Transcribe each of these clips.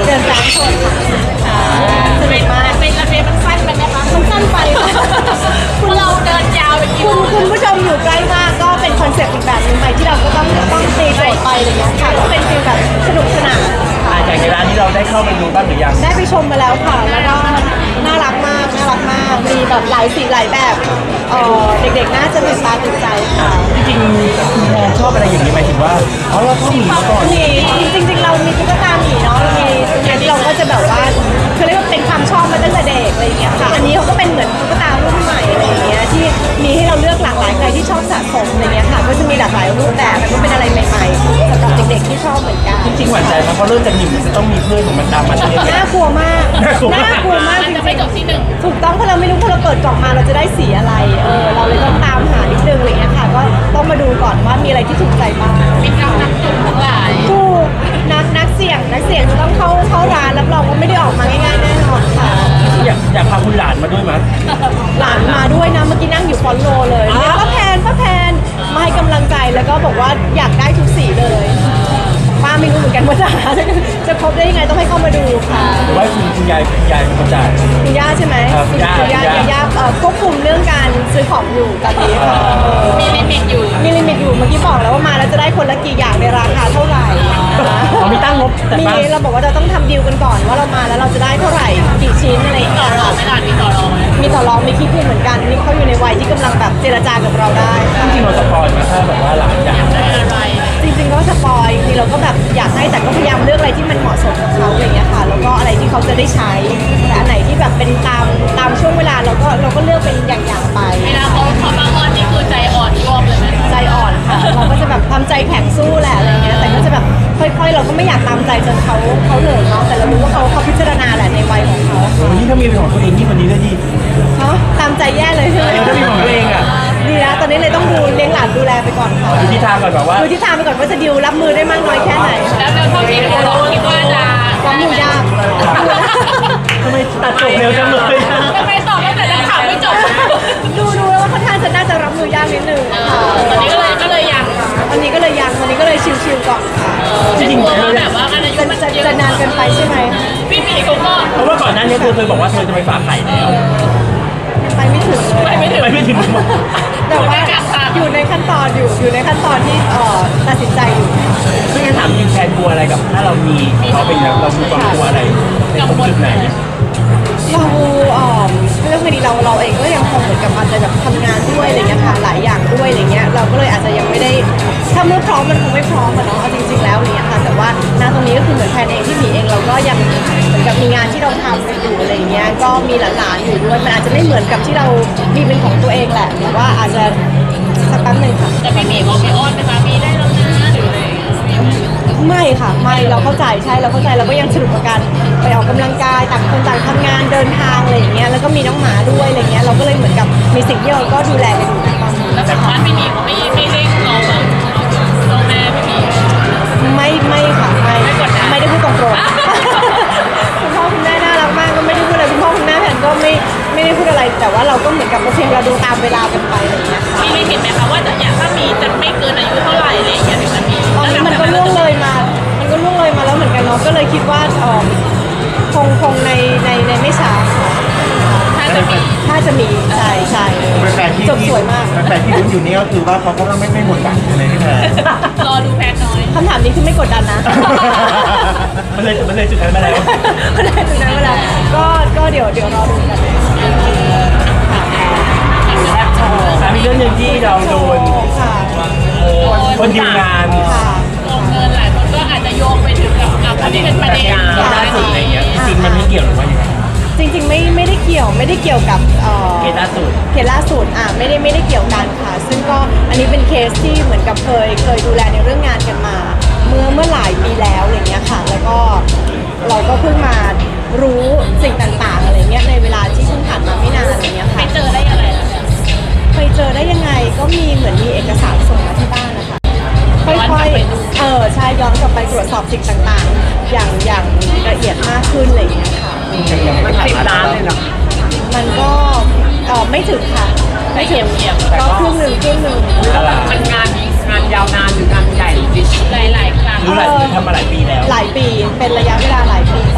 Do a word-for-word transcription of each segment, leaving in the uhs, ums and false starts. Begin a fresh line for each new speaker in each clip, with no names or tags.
เดินแฟนคนค่ะสนุกมาก
เป็นระเบียบมันสั้นไปไหมคะ
มันสั้นไปค่ะ
คุณเราเดินยาวไปกี่
คุ
โล
ณคุณผู้ชมอยู่ใกล้มากก็เป็นคอนเซ็ปต์อีกแบบหนึงไปที่เราก็ต้องต้องตีโจทย์ไปอะไรเงี้ยค่ะก็เป็นฟีลแบบสนุกสนานค่ะ
จากในร้านที่เราได้เข้าไปดูบ้างหรือยัง
ได้ไปชมมาแล้วค่ะแล้วก็น่ารักมากน่ารักมากมีแบบหลายสีหลายแบบเออเด็กๆน่าจะตื่นตาตื่นใจค่ะ
จริงๆคุณแพนชอบอะไรอย่างนี้หมายถึงว่าอ๋อเราชอบหมีมาก่อน
มีจริงๆเรามีตุ๊กตาหมีเนาะเรามีอันนี้เราก็จะแบบว่าเขาเรียกว่าเป็นความชอบมาตั้งแต่เด็กอะไรอย่างเงี้ยค่ะอันนี้เขาก็เป็นเหมือนตุ๊กตารุ่นใหม่อะไรอย่างเงี้ยที่มีให้เราเลือกหลากหลายใครที่ชอบสะสมอะไรเงี้ยค่ะก็จะมีหลากหลายรูปแบบมันก็เป็นอะไรใหม่ๆสำหรับเด็กๆที่ชอบเหมือนกัน
จริงๆหวานใจมันเพราะเริ่มจากหนึ่งมันจะต้องมีเพื่อนของมันตามมาใช่ไหม
น่ากลัวมาก
น่ากลัวมาก
น่ากลัวมาก
มัน
จ
จะไม่
ริง
จบที่หนึ่ง
ๆถูกต้องเพราะเราไม่รู้พอเราเปิดกล่องมาเราจะได้สีอะไรเออเราเลยต้องตามหานิดนึงอะไรเงี้ยค่ะก็ต้องมาดูก่อนว่ามีอะไรที่ถูกใจบ้าง
เป็นกำนักจุ่มทั้งหลาย
ถูกนักนักเสี่ยงนักเสี่ยงจะต้องเข้าเข้าร้านรับรองว่าไม่ได้ออกมาง่ายๆแน่นอนค่ะ
อยากอยากพาคุณหลานมาด้วยมั้ย
หลานมาด้วยนะเมื่อกี้นั่งอยู่ฟอนโลเลยเรียกป้าแพนป้าแพนมาให้กำลังใจแล้วก็บอกว่าอยากได้ทุกสีเลยป้าไม่รู้เหมือนกันว่าจะหาจะครบได้ยังไงต้องให้เข้ามาดูค่ะ
หรือว่าคุณคุณยายคุณยายเป็นคนจ่าย
คุณย่าใช่ไหม
ครับ
คุณ
ย่า
คุณย่า
ย่า
ย่าเอ่อควบคุมเรื่องการซื้อของอยู่ตอนนี้ค่ะเออ
มีลิมิตอยู่
มีลิมิตอยู่เมื่อกี้บอกแล้วว่ามาแล้วจะได้คนละกี่อย่างในราคาเท่าไหร่
เรามีตั้งงบแต่
มี
ป้า
เราบอกว่าเราต้องทำดีลกันก่อนว่าเรามาแล้วเราจะได้เท่าไหร่กี่ชิ้นอะไรอย่าง
ต่อ
เงี้ย
รองไม่ได้มีต่อรองไหม
มีต่อรองมีคิดคุยเหมือนกันนี่เขาอยู่ในวัยที่กำลังแบบเจรจากับเราได้ค่ะ
จริงๆเราสปอยล์มาถ้าแบบว่าหลานอยาก
ได้อะไร
จริงๆก็สปอยจริงๆเราก็แบบอยากให้แต่ก็พยายามเลือกอะไรที่มันเหมาะสมกับเขาอะไรอย่างเงี้ยค่ะแล้วก็อะไรที่เขาจะได้ใช้แต่อันไหนที่แบบเป็นตามตามช่วงเวลาเราก็เราก็เลือกเป็นอย่างๆไป
เวลาเขาเขามาอ้อนนี่คือใจอ่อนยวบเลยไหม
ใจอ่อนค่ะเราก็จะแบบทำใจแข็งสู้แหละอะไรเงี้ยแต่ก็จะแบบค่อยๆ เราก็ไม่อยากตามใจจนเขาเขาเหนื่อยเนาะแต่เรารู้ว่าเขาเขาพิจารณาแหละในวัยของเขา
วันนี้ถ้ามีเป็นของตัวเองนี่วันนี้ได้ดี
เนาะตามใจแย่เลยใช่ไหม
เออถ้ามีของตัวเองอ่ะ
ดีนะตอนนี้เลยต้องดูเลี้ยงหลานดูแลไปก่อนค่ะ
ดูทิศทางก่อนแบบว่า
ดูทิศทางไปก่อนว่าจะดิวรับมือได้มากน้อยแค่ไหนค่ะ
แล้วเท่าที่เราคิดว่าจะ
รับมือยาก
ทำไมตัดจบเร็วจังเลย
ทำไมตอบตั้งแต่นักข่าวไม่จบ
ดูดูแล้วว่าค่อนข้างจะน่าจะรับมือยากนิดนึงค่ะ
ตอนนี้ก็เลยก็เลยยัง
วันนี้ก็เลยยังวันนี้ก็เลยชิวๆก่อนค่ะ
จะกลัวว่าแบบว่าอายุ
จะ
มัน
จะ
เยอะ
จะนานเกินไปใช่ไหม
พี่หมีเขาก็
เพราะว่าก่อนหน้านี้เธอเคยบอกว่าเธอจะไปฝากไข่แล้ว
ไปไม่ถึงเลย
ไปไม่ถึง
ไปไม่ถึง
แต่ว่าอยู่ในขั้นตอนอยู่อยู่ในขั้นตอนที่เอ่อตัดสินใจอยู่
ซึ่งงั้นถามจริงแทนกลัวอะไรกับ ถ้าเรามีเขาเป็นแล้วเรามีความกลัวอะไรในตรงจุดไหน
เราเอ่อเรื่องคดีเราเราเองก็ยังคงเหมือนกับอาจจะแบบทำงานด้วยอะไรเงี้ยค่ะหลายอย่างด้วยอะไรเงี้ยเราก็เลยอาจจะยังไม่ได้ถ้าเมื่อพร้อมมันคงไม่พร้อมอะเนาะเอาจริง ๆแล้วอะไรเงี้ยค่ะแต่ว่าณตรงนี้ก็คือเหมือนแพนเองที่หมีเองเราก็ยังเหมือนกับมีงานที่เราทำกันอยู่อะไรเงี้ยก็มีหลานๆอยู่ด้วยมันอาจจะไม่เหมือนกับที่เรามีเป็นของตัวเองแหละแต่ว่าอาจจะสักแป๊บหนึ่งค่ะ
แต่พี่หมีเขาไม่อ้อนนะคะมีได้แล้วนะหรืออะไร
ไม่ค่ะไม่เราเข้าใจใช่เราเข้าใจเราก็ยังสนุกกับการไปออกกำลังกายต่างคนต่างทำงานเดินทางอะไรอย่างเงี้ยแล้วก็มีน้องหมาด้วยอะไรเงี้ยเราก็เลยเหมือนกับมีสิ่งที่เราก็ดูแลกันอยู่นะตอนนี้
แล้วจากบ้านพี่หมีเขาไม่ไม่เร่งเราแบบเราแม่พี่หมี
ไม่ไม่ค่ะไม่ไม่ได้พูดตรงๆ คุณพ่อคุณแม่น่ารักมากก็ไม่ได้พูดอะไรคุณพ่อคุณแม่แผนก็ไม่ไม่ได้พูดอะไรแต่ว่าเราก็เหมือนกับโอเคเราดูตามเวลากันไปอะไรเงี้ยค่ะ
มีลิมิตไหมคะว่าจะอยากถ้ามีจะไม่เกินอายุเท่าไหร่อะไรอย่างเงี้ยถึงจะมี
ตอนนี้มันก็ล่วงเลยมา มันก็ล่วงเลยมาแล้วเหมือนกันเนาะก็เลยคิดว่าเออคงคงในในในไม่ช้าค่ะ
ถ้าจะมี
ถ้าจะมีใช่ใช่
แฟนๆที่
จบสวยมาก
แฟนๆที่ลุ้นอยู่นี่ก็คือว่าเขาก็ไม่ไม่หมดหวังเลยพี่แพร
รอดูแพนน้อย
คำถามนี้คือไม่กดดันนะ
มันเลยมันเลยจุดนั้นมาแล้ว
ไม่ได้ถึงนั้นเวลาก็ก็เดี๋ยวเดี๋ยวรอดูกันค่ะ
ถามอีกเรื่องหนึ่งที่เราโดน
ค่ะ
เออคนดีลงาน
ค่ะ
ลงเงินหลายคนก็อาจจะโยงไปถึงกับกับคนที่เป็นประเด็น
ล่าสุดอะไรเงี้ยจริงๆมันไม่เกี่ยวหรือว่ายังไง
จริงๆไม่ไม่ได้เกี่ยวไม่ได้เกี่ยวกับเอ่อ
เคสล่าสุด
เคสล่าสุดอ่ะไม่ได้ไม่ได้เกี่ยวกันค่ะ ซึ่งก็อันนี้เป็นเคสที่เหมือนกับเคยเคยดูแลในเรื่องงานกันมา เมื่อเมื่อหลายปีแล้วอะไรเงี้ยค่ะ แล้วก็เราก็เพิ่งมารู้สิ่งต่างๆอะไรเงี้ยในเวลาที่เพิ่งผ่านมาไม่นานอะไรเงี้ย
ไป
ค่ะ
เจอได้อะไรล่ะ
ไปเจอได้ยังไงก็มีเหมือนมีเอกสารส่งมาที่บ้านนะคะค่อยๆเออใช่ย้อนกลับไปตรวจสอบสิ่งต่างๆ อย่างอย่างละเอียดมากขึ้นอะไรเงี้ยค่ะ
มันสิบล้านเลยเหรอ
มันก็เออไม่ถึงค่ะ
ไม่เหี่ยมเหี่ยม
ก็ครึ่งหนึ่งครึ่งหนึ่ง
มันงานงานยาวนานหรืองานใหญ่หลายหลายๆครั้ง
รู้หลายทำมาหลายปีแล้ว
หลายปีเป็นระยะเวลาหลายปีต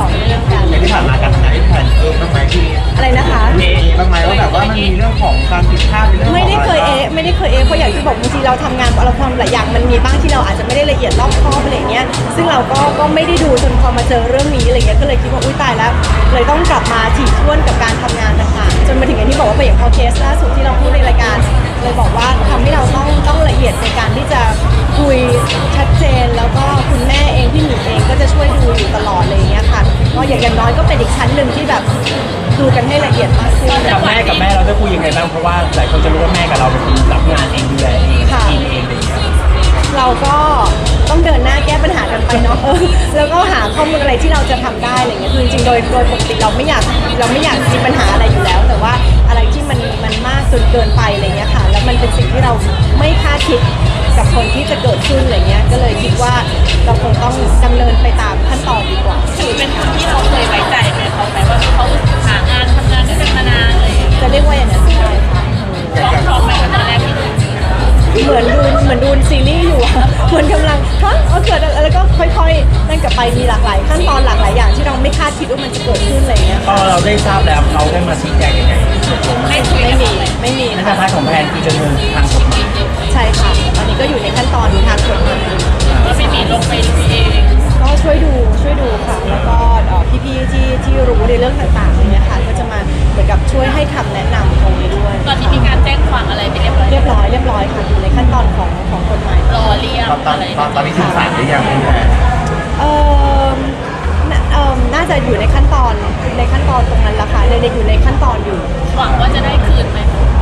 ต่อเนื่องกัน
อย่างที่ผ่านมาการทำงานที่แพนเองบ้างไหมที่
อะไรนะคะ
มีบ้างไหมว่าแบบว่ามันมีเรื่องของการผิดพลาดในเรื่องของ
ไม่ได้เคยเอะไม่ได้เคยเอะเพราะอย่างที่บอกบางทีเราทำงานเราทำหลายอย่างมันมีบ้างที่เราอาจจะไม่ได้ละเอียดรอบคอบอะไรอย่างเงี้ยซึ่งเราก็ก็ไม่ได้ดูจนพอมาเจอเรื่องนี้อะไรเงี้ยก็เลยคิดว่าอุ้ยตายแล้ว เลยต้องกลับมาถี่ถ้วนกับการทำงานต่างๆจนมาถึงอย่างที่บอกว่าไปอย่างพอเคสล่าสุดที่เราพูดในรายการเลยบอกว่าทำให้เราต้องต้องละเอียดในการที่จะคุยชัดเจนแล้วก็คุณแม่เองพี่หมีเองก็จะช่วยดูอยู่ตลอดเลยางเงี้ยค่ะก็อย่างอย่างน้อยก็เป็นอีกชั้นหนึ่งที่แบบดูกันให้ละเอียดมากขึ้น
กับแม่กับแม่เราได้คุยยังไงบ้างเพราะว่าหลายคนจะรู้ว่าแม่กับเราเป็นคนรับงานเองดูแลเอง
ค่ะ
กินเองอะไรอย่างเงี้ย
เราก็ต้องเดินหน้าแก้ปัญหากันไปเนาะเออแล้วก็หาข้อมูลอะไรที่เราจะทำได้อะไรเงี้ยคือจริงๆโดยโดยปกติเราไม่อยากเราไม่อยากมีปัญหาอะไรอยู่แล้ว แต่ว่าอะไรที่มันมันมากจนเกินไปอะไรเงี้ยค่ะแล้วมันเป็นสิ่งที่เราไม่คาดคิดกับคนที่จะเกิดขึ้นอะไรเงี้ยก็เลยคิดว่าเราคงต้องดำเนินไปตามขั้นตอนดีกว่า
ถือเป็นคนที่เราเคยไว้ใจไหมเขาไหมว่าเขาหางานทำงานด้วยกันมานานอะไรอย่างเงี้ย
จะเรียกว่าอย่างนั้นได้ค่ะ
พร้อมพร้อมไหมตอนแรกที่ดู
เหมือนดูเหมือนดูซีรีส์อยู่อะ เหมือนกำลังฮะเอาเกิดอะไรแล้วก็ค่อยๆนั่นกลับไปมีหลากหลายขั้นตอนหลากหลายอย่างที่เราไม่คาดคิดว่ามันจะเกิดขึ้นอะไรเงี้ย
พอเราได้ทราบแล้วเขาได้มาชี้แจงยังไง
ได้คุย
ไม่
กัน
มี
ไหม
ไม่มี
ใน
ค่ะ
พาร์ทของแพนคือจะเดินทางกฎหมาย
ใช่ค่ะตอนนี้ก็อยู่ในขั้นตอนทางกฎหมาย
ว่าไม่มีลงไปดูเอง
ก็ช่วยดูช่วยดูค่ะ แล้วก็เอ่อพี่ๆที่ที่รู้ในเรื่องต่างๆเนี่ยค่ะก็จะมาเหมือนกับช่วยให้คำแนะนำตรงนี้ด้วย
ตอนนี้มีการแจ้งความอะไรไปเรียบร้อย
เรียบร้อยเรียบร้อยค่ะอยู่ในขั้นตอนของของกฎหมาย
รอเรียก
ตอนตอน
อะไร
ตอนตอนนี้ถึงศาลหรือยังพี่แพน
เอ่อน่าเอ่อน่าจะอยู่ในขั้นตอนในขั้นตอนตรงนั้นละค่ะในในอยู่ในขั้นตอนอยู่
หวังว่าจะได้คืนไหม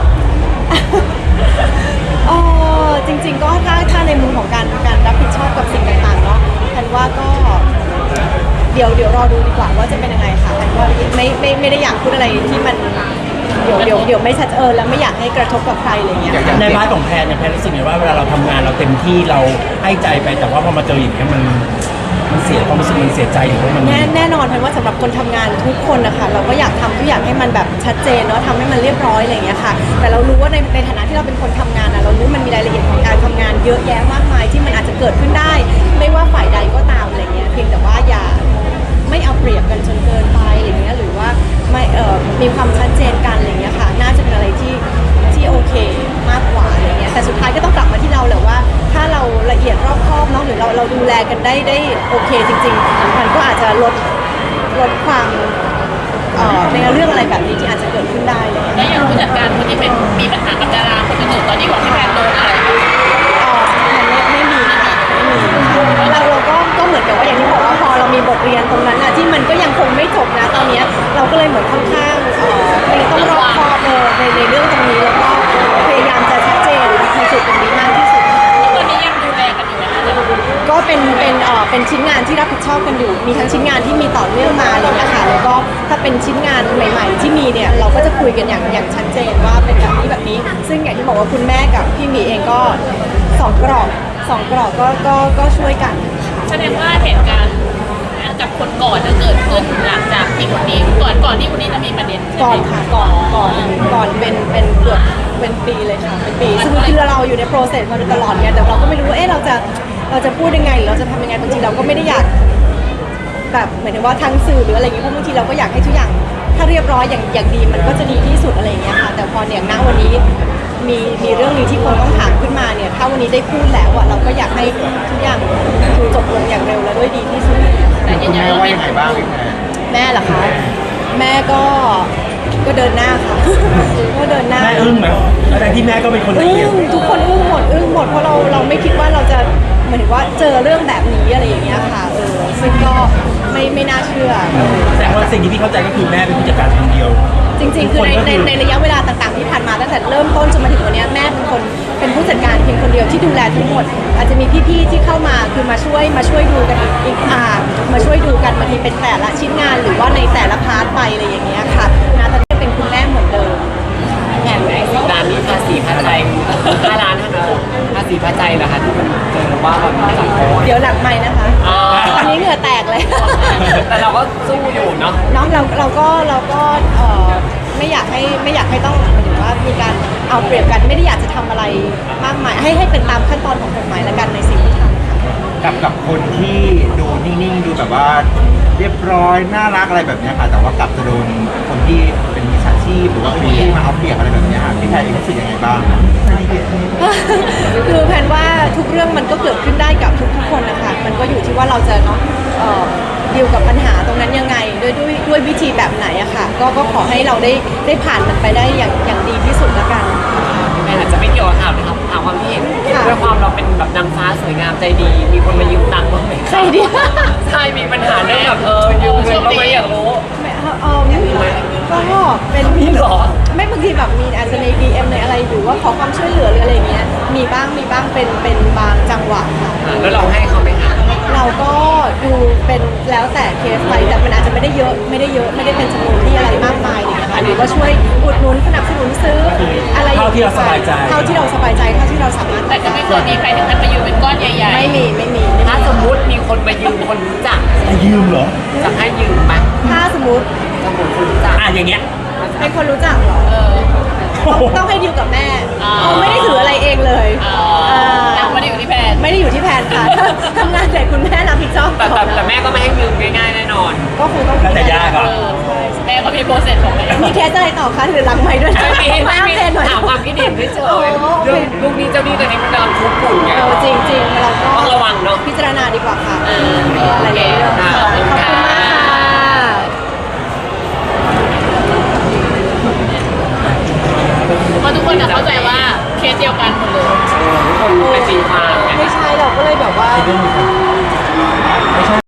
เออจริงๆก็ถ้าถ้าในมุมของการการรับผิดชอบกับสิ่งต่างๆเนาะฉันว่าก็เดี๋ยวเดี๋ยวรอดูดีกว่าว่าจะเป็นยังไงค่ะฉันว่าไม่ไม่ไม่ได้อยากพูดอะไรที่มันเดี๋ยวเดี๋ยวเดี๋ยวไม่ชัดเออแล้วไม่อยากให้กระทบกับใครอะไรเงี้ย
ในพาร์ทของแพนเนี่ยแพนรู้สึกไงว่าเวลาเราทำงานเราเต็มที่เราให้ใจไปแต่ว่าพอมาเจออย่างนี้ยมันมันเสียความรู้สึกมันเสียใจหรือว่ามัน
แน่แน่นอนเพราะว่าสำหรับคนทำงานทุกคนนะคะเราก็อยากทำทุกอย่างให้มันแบบชัดเจนเนาะทำให้มันเรียบร้อยอะไรอย่างเงี้ยค่ะแต่เรารู้ว่าในในฐานะที่เราเป็นคนทำงานอะเรารู้มันมีรายละเอียดของการทำงานเยอะแยะมากมายที่มันอาจจะเกิดขึ้นได้ ไม่ว่าฝ่ายใดก็ตามอะไรเงี้ยเพียงแต่ว่าอย่าไม่เอาเปรียบกันจนเกินไปอะไรเงี้ยหรือว่าไม่เอ่อมีความชัดเจนกันอะไรเงี้ยค่ะน่าจะเป็นอะไรที่ที่โอเคมากกว่าอะไรเงี้ยแต่สุดท้ายก็ต้องกลับมาที่เราแหละว่า ถ้าเราละเอียดรอบคอบเนาะหรือเราเราดูแลกันได้ได้โอเคจริงๆมันก็อาจจะลดลดความเอ่อในเรื่องอะไรแบบนี้ที่อาจจะเกิดขึ้นได้เลย
แล้วอย่างผู้จัดการคนที่เป็นมีปัญหากับดาราคนอื่นๆตอนนี้ของพี่แพนโดนอะไรบ้าง
อ๋อไม่ไม่มีค่ะไม่มีค่ะเราเราก็ก็เหมือนกับว่าอย่างที่บอกว่าพอเรามีบทเรียนตรงนั้นอะที่มันก็ยังคงไม่จบนะตอนเนี้ยเราก็เลยเหมือนค่อนข้างเอ่อไม่ต้องรอบคอบเลยในในเรื่องตรงนี้แล้วก็พยายามจะชัดเจนในจุดตรงนี้มากที่สุด
ตอนนี้ยังดูแลกันอยู่ไหมคะ
ก็เป็นเป็นเอ่อเป็นชิ้นงานที่รับผิดชอบกันอยู่ มีทั้งชิ้นงานที่มีต่อเนื่องมาอะไรอย่างเลยนะคะแล้วก็ถ้าเป็นชิ้นงานใหม่ ๆ ที่มีเนี่ยเราก็จะคุยกันอย่างอย่างชัดเจนว่าเป็นแบบนี้แบบนี้ ซึ่งอย่างที่บอกว่าคุณแม่กับพี่หมีเองก็สองกรอบสองกรอบก็ก็ก็ช่วยกัน
แสดงว่าเหตุการณ์กับคนก่อนจะเกิดขึ้นหลังจากที่คนนี้ก่อนก่อนที่คนนี้จะมีประเด็นใช่
ก่อน
ไหม
ค่ะก่อนก่อนก่อนเป็นเป็นเกือบเป็นปีเลยค่ะเป็นปีซึ่งคือเราอยู่ในโปรเซสมาโดยตลอดเนี่ยแต่เราก็ไม่รู้ว่าเอ๊ะเราจะเราจะพูดยังไงหรือเราจะทำยังไงบางทีเราก็ไม่ได้อยากแบบหมายถึงว่าทางสื่อหรืออะไรอย่างเงี้ยเพราะบางทีเราก็อยากให้ทุกอย่างถ้าเรียบร้อยอย่างอย่างดีมันก็จะดีที่สุดอะไรอย่างเงี้ยค่ะแต่พอเนี่ยณวันนี้มีมีเรื่องนี้ที่คนต้องถามขึ้นมาเนี่ยถ้าวันนี้ได้พูดแล้วอะเราก็อยากให้ทุกอย่างคือจบลงอย่างเร็วและด้วยดีที่สุด
แต่ยื
คุ
น
ณ
ยัน
แม่
ว่า
ว่า
ไม่
ยังไงบ้างพี่แพน
แม่เหรอคะแม่ก็ก็เดินหน้าค่ะ ก็เดินหน้า
แม่อึ้งไหมแต่ที่แม่ก็เป็นคนละ
อึ้
เอียด
งทุกคนอึ้งหมดอึ้งหมดเพราะเราเราไม่คิดว่าเราจะเหมือนว่าเจอเรื่องแบบนี้อะไรอย่างเงี้ยค่ะเออซึ่งก็ไม่ไม่น่าเชื่อ
แต่ว่าสิ่งที่พี่เข้าใจก็คือแม่เป็นผู้จัดการคนเดียว
จริงๆ คือในในในระยะเวลาต่างๆที่ผ่านมาตั้งแต่เริ่มต้นจนมาถึงวันเนี้ยแม่เป็นคนเป็นผู้จัดการเพียงคนเดียวที่ดูแลทั้งหมด อาจจะมีพี่ๆที่เข้ามาคือมาช่วยมาช่วยดูกันอีกอีกอ่ามาช่วยดูกันบางทีเป็นแต่ละชิ้นงานหรือว่าในแต่ละพาร์ทไปอะไรอย่างเงี้ยค่ะนาตอนนี้เป็นคุณแม่เหมือนเดิม
แข่งในสิบล้านนี่ภาษีภาใจห้าล้านเท่านั้นภาษีภาใจเหรอคะที่มันเจอว่าแบบมีหลักโค้ด
เดี๋ยวหลังไม้นะคะ
อ๋อ
ตอนนี้เหงื่อแตกเลย
แต่เราก็สู้อยู่เนาะ
น้องเราเราก็เราก็เอ่อไม่อยากให้ไม่อยากให้ต้องหมายถึงว่ามีการเอาเปรียบกันไม่ได้อยากจะทำอะไรมากมายให้ให้เป็นตามขั้นตอนของกฎหมายแล้วกันในสิ่งที่ทำค่ะ
กับกับคนที่ดูนิ่งๆดูแบบว่าเรียบร้อยน่ารักอะไรแบบเนี้ยค่ะ แต่ว่ากลับจะโดนคนที่เป็นมิจฉาชีพหรือว่าคนที่มาเอาเปรียบอะไรแบบเนี้ยค่ะพี่แพรเองรู้สึกยังไงบ้าง
คือแพนว่าทุกเรื่องมันก็เกิดขึ้นได้กับทุกๆคนนะคะมันก็อยู่ที่ว่าเราจะเนาะเอ่อดีลกับปัญหาตรงนั้นยังไงด้วยด้วยด้วยวิธีแบบไหนอะค่ะก็ก็ขอให้เราได้ได้ผ่านมันไปได้อย่างอย่างดีที่สุดละกัน
พี่แพนอาจจะไม่เกี่ยวกับข่าวนะครับถามความคิดเห็น
ค่ะ
ด้วยความเราเป็นแบบนางฟ้าสวยงามใจดี มีคนมายืมตังค์บ้างไหม
ใครดี
ใช่มีปัญหาเรื่องแบบเออยืมเงินบ้างไหมอยากรู้
ไม่เออเออก็เป็น
มีเหรอ
ไม่บางทีแบบมีอาจจะใน ดี เอ็ม ในอะไรหรือว่าขอความช่วยเหลือหรืออะไรเงี้ยมีบ้างมีบ้างเป็นเป็นบางจังหวะค่ะ
อ่ะแล้วเราให้เขาไหมคะ
เราก็ดูเป็นแล้วแต่เคสไปแต่มันอาจจะไม่ได้เยอะไม่ได้เยอะไม่ได้เป็นจำนวนที่อะไรมากมายอะไรอย่างเงี้ยค่ะหรือว่าช่วยอุดหนุนสนับสนุนซื้ออะไร
เท่าที่เราสบายใจ
เท่าที่เราสบายใจเท่าที่เราสามารถ
แต่ก็ไม่เคยมีใครถึงขั้นมายืมเป็นก้อนใหญ่
ไม่มีไม่มีไม่
ถ้า
มี
สมมุติมีคนมายืมคนรู้จัก
ให้ยืมเหรอ
จะให้ยืมไหม
ถ้าสมมติ
สมมติคนรู้จัก
อ่ะอย่างเงี้ย
เป็นคนรู้จักเหรอ
ๆ เออ
ต้องต้องให้ดิวกับแม่
อ่า
เขาไม่ได้ถืออะไรเองเลย
อ่า
อ่า
ตังค์ไม่ได้อยู่ที่แพน
ไม่ได้อยู่ที่แผนค่ะ ทำงานแต่คุณแม่รับผิดชอบ
แต่แต่แต่แม่ก็ไม่ให้ยืมง่ายๆแน่นอน
ก็คงต้อง
แล้วแต่ยากอะ
เออแม่ก็มีโปรเซสของแม่
มีเคสอะไรต่อคะหรือหลังไม้ด้วย
ไม่มีไม่
อัป
มี
เดตหน่อย
ถามความคิดเห็นเฉ
อ๋อย
ๆเรื่องลูกนี้เจ้าหนี้ตัวนี้มันกำลังคุกคุ่นไง
เออจริงจริงๆเราก็
ต้องระวังเนาะ
พิจารณาดีกว่าค่ะ
เออ
อะไรอย่างเงี้ย
ค่ะ
ขอบคุณมากค่ะ
เพราะทุกคนจะเข้าใจว่าเคสเดียวกันหมดเลย
ทุกคนเป็นตีความไง
ไม่ใช่เราก็เลยแบบว่า